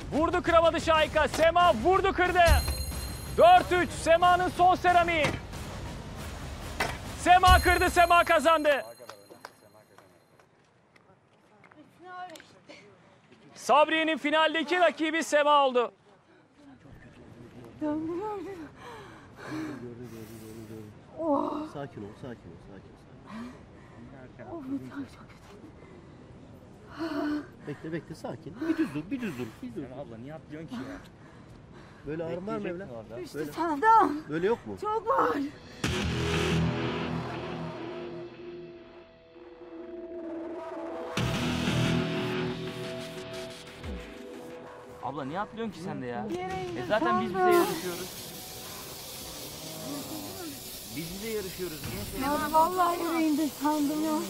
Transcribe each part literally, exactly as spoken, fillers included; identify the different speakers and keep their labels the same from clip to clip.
Speaker 1: Vurdu kıramadı Şahika. Sema vurdu kırdı. dört üç Sema'nın son seramiği. Sema kırdı, Sema kazandı. Sabriye'nin finaldeki rakibi Sema oldu.
Speaker 2: Oh. Sakin ol, sakin ol, sakin ol.
Speaker 3: Oh, çok kötü.
Speaker 2: Bekle, bekle, sakin. Bir düz dur, bir düz dur. Bir düz dur.
Speaker 4: Abla niye atlıyorsun ki ya?
Speaker 2: Böyle ağrın var mı evlat?
Speaker 3: İşte
Speaker 2: Böyle.
Speaker 3: sana.
Speaker 2: Böyle yok mu?
Speaker 3: Çok var.
Speaker 4: Abla niye atlıyorsun ki sen de ya?
Speaker 3: Yere
Speaker 4: E zaten biz bize yarışıyoruz. Biz bize yarışıyoruz. Niye
Speaker 3: Ya vallahi yüreğimde sandım ya.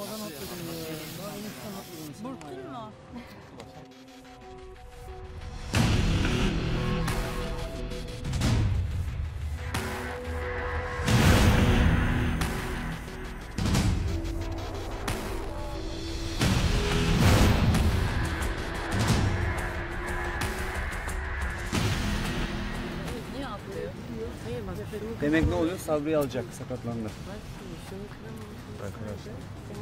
Speaker 5: Burktun mu? Niye atlıyor?
Speaker 6: Demek ne oluyor? Sabri'yi alacak, sakatlandı.
Speaker 7: Arkadaşlar.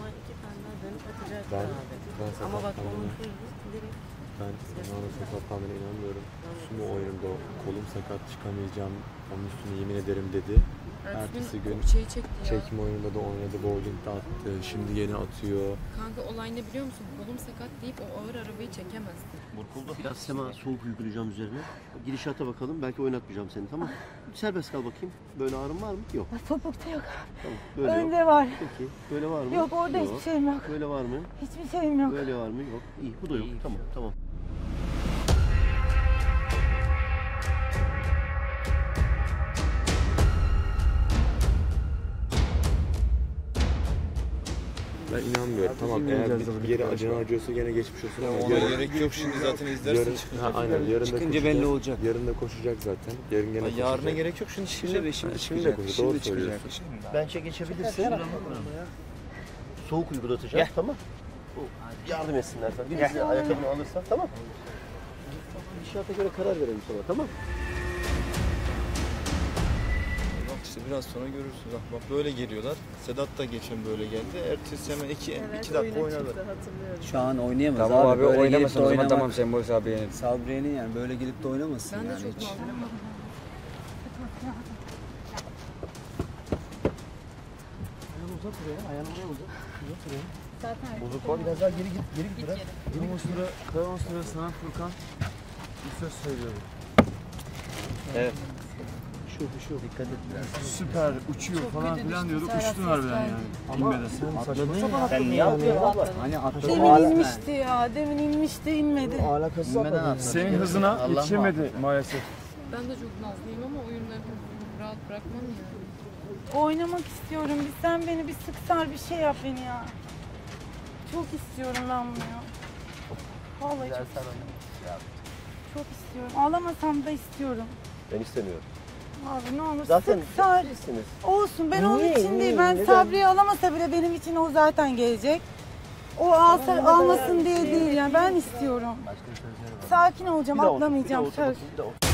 Speaker 5: Ben,
Speaker 7: Ben
Speaker 5: ama bak onun
Speaker 7: Ben Sema'nın sakatlandığına inanmıyorum. Sumo oyununda kolum sakat çıkamayacağım. Onun üstüne yemin ederim dedi. Ertesi gün
Speaker 5: şeyi çekti ya.
Speaker 7: çekim oyununda da oynadı. Bowling'de attı. Şimdi yeni atıyor.
Speaker 5: Kanka olay ne biliyor musun? Kolum sakat deyip o ağır arabayı çekemezdi.
Speaker 4: Burkuldu.
Speaker 2: Biraz Sema soğuk uygulayacağım üzerine. Gidişata bakalım. Belki oynatmayacağım seni, tamam mı? Serbest kal bakayım. Böyle ağrın var mı? Yok.
Speaker 3: Topukta yok.
Speaker 2: Tamam. Böyle
Speaker 3: Önde
Speaker 2: yok.
Speaker 3: var.
Speaker 2: Peki. Böyle var mı?
Speaker 3: Yok, orada hiçbir şeyim yok.
Speaker 2: Böyle var mı?
Speaker 3: Hiçbir şeyim yok.
Speaker 2: Böyle var mı? Yok. İyi. Bu da yok. Tamam. Tamam.
Speaker 7: Ben inanmıyorum. Tamam, eğer bir yere acına acıyorsa gene geçmiş olsun ama
Speaker 6: Ona gerek yok, şimdi zaten izlersin.
Speaker 7: yarın, ha, aynen, yarın da
Speaker 6: Çıkınca
Speaker 7: koşacak.
Speaker 6: belli olacak.
Speaker 7: Yarın da koşacak zaten. Yarın gene
Speaker 6: Ay, yarına
Speaker 7: koşacak.
Speaker 6: gerek yok, şimdi şimdi ve şimdi
Speaker 7: Ha, şimdi
Speaker 6: çıkacak.
Speaker 7: de koşacak,
Speaker 6: Şimdi
Speaker 7: doğru
Speaker 6: çıkacak.
Speaker 7: söylüyorsun.
Speaker 2: Bençe geçebilirsin. Soğuk uygulatacağım. Tamam. O, yardım etsinler sana. Birisi ayakkabını alırsa, tamam. İnşaata göre karar verelim sana, tamam.
Speaker 6: Bak işte biraz sonra görürsünüz. Bak, bak böyle geliyorlar. Sedat da geçen böyle geldi. Ertesi hemen iki, iki dakika oynadı.
Speaker 8: Şu an oynayamaz
Speaker 6: Tamam
Speaker 8: abi.
Speaker 6: abi,
Speaker 8: Böyle
Speaker 6: oynamasın
Speaker 8: gelip de
Speaker 6: o zaman,
Speaker 8: oynamak-
Speaker 6: tamam Sembol Sabriye'nin.
Speaker 8: Sabriye'nin yani böyle gelip de oynamasın
Speaker 5: Ben de
Speaker 8: yani
Speaker 5: çok
Speaker 8: hiç.
Speaker 5: nazlıyım.
Speaker 2: Ayağını uzat buraya, ayağını buraya uzat. Uzat buraya.
Speaker 5: Zaten
Speaker 2: Bozuk var. Biraz daha geri git, geri git biraz.
Speaker 6: Kalan süre, kalan süre sana Furkan bir söz söylüyorum.
Speaker 4: Evet.
Speaker 2: Şu, şu. Dikkat et biraz.
Speaker 6: Süper uçuyor
Speaker 5: Çok
Speaker 6: falan
Speaker 5: kötü
Speaker 6: filan
Speaker 5: düştü,
Speaker 6: diyorduk.
Speaker 5: Serhat
Speaker 6: Uçtun harbiden
Speaker 5: Sesler.
Speaker 6: yani.
Speaker 2: Ama
Speaker 6: İnmedi sen
Speaker 2: atladın
Speaker 6: saçma.
Speaker 2: ya.
Speaker 4: Sen niye atıyorsun abla?
Speaker 8: Hani atladı.
Speaker 3: Demin inmişti ya. Demin inmişti, inmedi.
Speaker 2: Alakası
Speaker 8: İnmeden atladı.
Speaker 6: Senin hızına yetişemedi maalesef.
Speaker 5: ben de çok nazlıyım ama oyunlarını rahat bırakmam yani.
Speaker 3: Oynamak istiyorum. Bir sen beni bir sık sar, bir şey yap beni ya. Çok istiyorum ben bunu ya. Vallahi çok istiyorum. Çok istiyorum. Ağlamasam da istiyorum.
Speaker 2: Ben istemiyorum.
Speaker 3: Abi ne olur
Speaker 2: Zaten
Speaker 3: sık sar.
Speaker 2: sizsiniz.
Speaker 3: Olsun, ben onun
Speaker 2: Niye,
Speaker 3: için
Speaker 2: niye,
Speaker 3: değil. Ben
Speaker 2: neden?
Speaker 3: Sabri'yi alamasa bile benim için o zaten gelecek. O alsa, almasın diye değil yani, ben istiyorum. Sakin olacağım,
Speaker 2: Bir daha otur,
Speaker 3: atlamayacağım
Speaker 2: bir daha
Speaker 3: söz.
Speaker 2: otur, bir daha otur.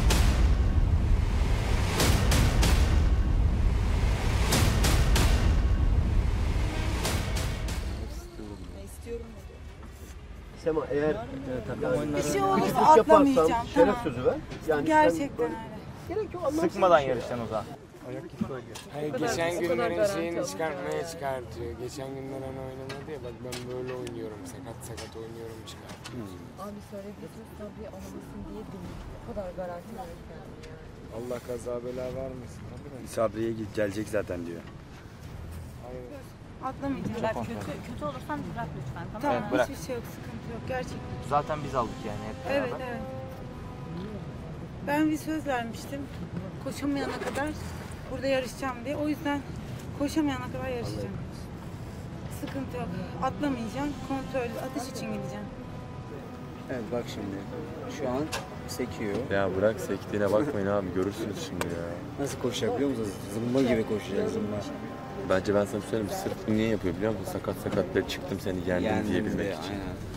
Speaker 2: Sema, eğer yani,
Speaker 3: Bir şey olursa
Speaker 2: küçük yaparsan
Speaker 3: atlamayacağım.
Speaker 2: şeref
Speaker 3: Tamam.
Speaker 2: sözü ver. Yani
Speaker 3: Gerçekten
Speaker 2: sen
Speaker 3: öyle.
Speaker 2: böyle- gerek yok, anlamsız
Speaker 4: Sıkmadan
Speaker 2: bir şey.
Speaker 4: yarışacaksın o zaman.
Speaker 9: Hayır,
Speaker 5: kadar-
Speaker 9: geçen
Speaker 5: bu kadar
Speaker 9: günlerin
Speaker 5: garanti
Speaker 9: şeyini
Speaker 5: aldım
Speaker 9: çıkartmaya çıkartıyor. Geçen günler hani oynamadı ya, bak ben böyle oynuyorum, sakat sakat oynuyorum çıkartıyor.
Speaker 5: Abi söylediğiniz tabii alamasın diye değil. O kadar garanti verip yani.
Speaker 9: Allah kaza bela vermesin. Tabii de.
Speaker 6: Sabriye gelecek zaten diyor.
Speaker 9: Hayır.
Speaker 3: Atlamayacağım.
Speaker 5: Kötü, kötü olursan bırak lütfen, tamam
Speaker 3: Tamam,
Speaker 4: Evet, bırak.
Speaker 3: hiçbir şey yok, sıkıntı yok. Gerçekten.
Speaker 4: Zaten biz aldık yani hep beraber.
Speaker 3: Evet, evet. Ben bir söz vermiştim. Koşamayana kadar burada yarışacağım diye. O yüzden koşamayana kadar yarışacağım. Sıkıntı yok. Atlamayacağım. Kontrollü atış için gideceğim.
Speaker 8: Evet bak şimdi. Şu an sekiyor.
Speaker 7: Ya bırak sektiğine bakmayın abi, görürsünüz şimdi ya.
Speaker 8: Nasıl koşacak biliyor musunuz? Zımba gibi koşacak, zımba.
Speaker 7: Bence ben sana söyleyeyim, sırf bunu niye yapıyor biliyor musun? Sakat sakat böyle çıktım seni yendim
Speaker 8: Yendim
Speaker 7: diyebilmek
Speaker 8: diye,
Speaker 7: için.
Speaker 8: aynen.